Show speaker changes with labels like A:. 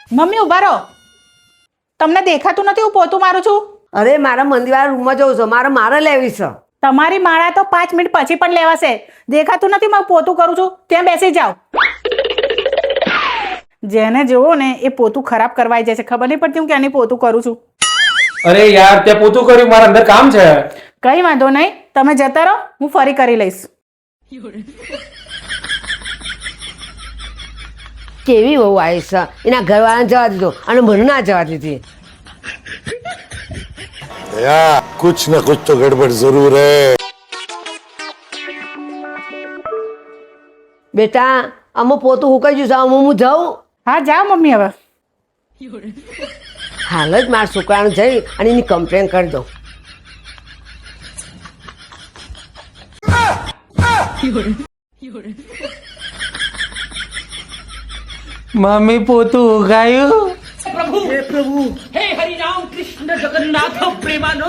A: Mummy ઉભા રહો. તમને દેખાતું નથી હું પોતું મારું છું?
B: અરે મારા મંદિરવાળા રૂમમાં જવું છે, મારે લેવી છે.
A: તમારી માળા તો 5 મિનિટ પછી પણ લેવાશે. દેખાતું નથી હું પોતું કરું છું? ત્યાં બેસી જાઓ. જેને જોવો ને એ પોતું ખરાબ કરવાઈ જાય છે. ખબર નહીં પડતી હું ક્યાંની પોતું કરું છું.
C: અરે યાર ત્યાં પોતું કર્યું, મારા અંદર કામ છે.
A: કઈ વાંધો નહીં, તમે જતા રહો, હું ફરી કરી લઈશ.
B: કેવી બહુ આવી છે, એના ઘરવાળાને જવા દીધો અને મને ના જવા દીધી.
D: यार कुछ न कुछ तो गड़बड़ जरूर है.
B: બેટા અમુક પોતું હુકાઈ ગયું છે, હું જાઉં.
A: હા જાઓ મમ્મી હવે.
B: હાલ જ મારા છોકરાને જઈ અને એની કમ્પ્લેન કરી દઉં.
C: મમ્મી પોતું ઉગાયું.
E: हे हरिराम कृष्ण जगन्नाथ प्रेमानंद